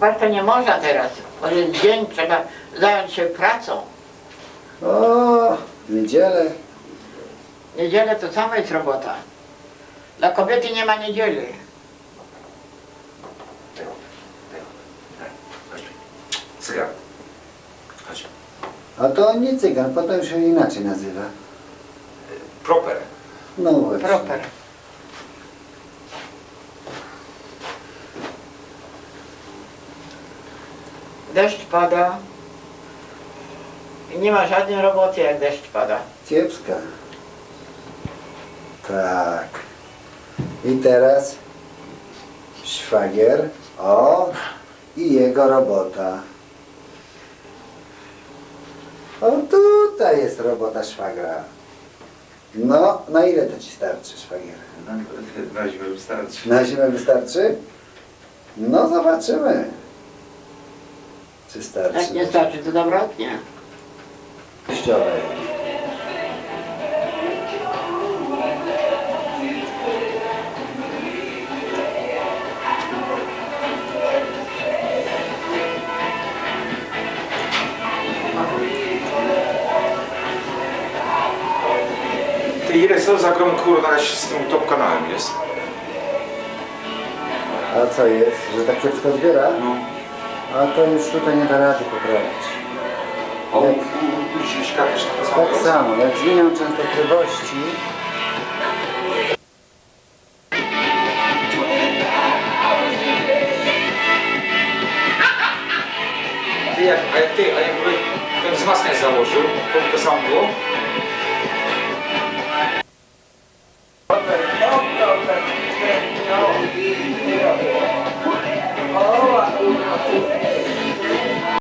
spać to nie można teraz, bo jest dzień, trzeba zająć się pracą. O, niedzielę. Niedzielę to samo jest robota. Dla kobiety nie ma niedzieli. Cygan. Chodź. A to nie cygan, potem się inaczej nazywa. Proper. No właśnie. Proper. Deszcz pada. I nie ma żadnej roboty, jak deszcz pada. Kiepska. Tak. I teraz szwagier. O, i jego robota. O, tutaj jest robota szwagra. No, na ile to ci starczy, szwagier? Na zimę wystarczy. Na zimę wystarczy? No, zobaczymy. Czy starczy? Jak nie starczy, to dobrotnie. Teściowej. Ty ile co za grom kurwa z tym top kanałem jest? A co jest? Że tak kiepsko odbiera? No. A to już tutaj nie da rady poprawić. O, Jak- u Ciśka też to samo Tak jest? samo, jak zmienią częstotliwości, Ty, a jakby ten wzmacniacz założył, to samo było?